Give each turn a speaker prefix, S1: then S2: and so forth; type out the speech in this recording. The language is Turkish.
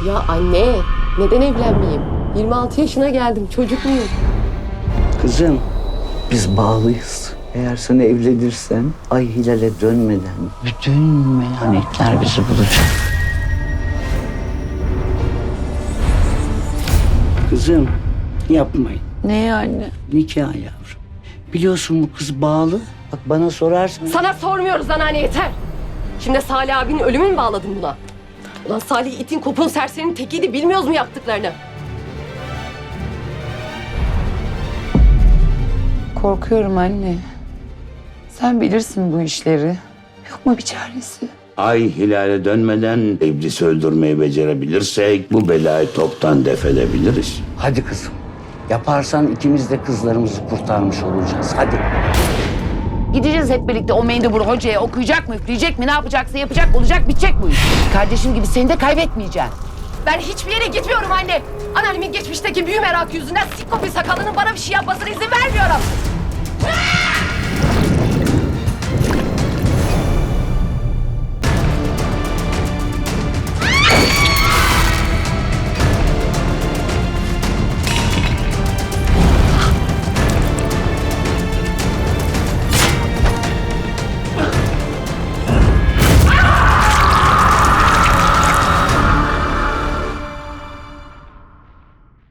S1: Ya anne, neden evlenmeyeyim? 26 yaşına geldim, çocuk muyum?
S2: Kızım, biz bağlıyız. Eğer sen evlenirsen ay hilale dönmeden bütün melanetler bizi bulacak. Kızım, yapmayın.
S3: Ne anne?
S2: Nikah yavrum. Biliyorsun bu kız bağlı. Bak bana sorarsan...
S1: Sana sormuyoruz anneanne, yeter. Şimdi Salih abinin ölümü mü bağladın buna? Ulan Salih itin kopun serserinin tekiydi, bilmiyoruz mu yaptıklarını?
S3: Korkuyorum anne. Sen bilirsin bu işleri. Yok mu bir çaresi?
S4: Ay hilale dönmeden iblisi öldürmeyi becerebilirsek bu belayı toptan def edebiliriz.
S2: Hadi kızım. Yaparsan ikimiz de kızlarımızı kurtarmış olacağız. Hadi.
S5: Gideceğiz hep birlikte o mendebur hocaya okuyacak mı, üfleyecek mi, ne yapacaksa yapacak, olacak, bitecek bu iş. Kardeşim gibi seni de kaybetmeyeceğim.
S1: Ben hiçbir yere gitmiyorum anne. Anneannemin geçmişteki büyü merakı yüzünden sikko bir sakalının bana bir şey yapmasına izin vermiyorum.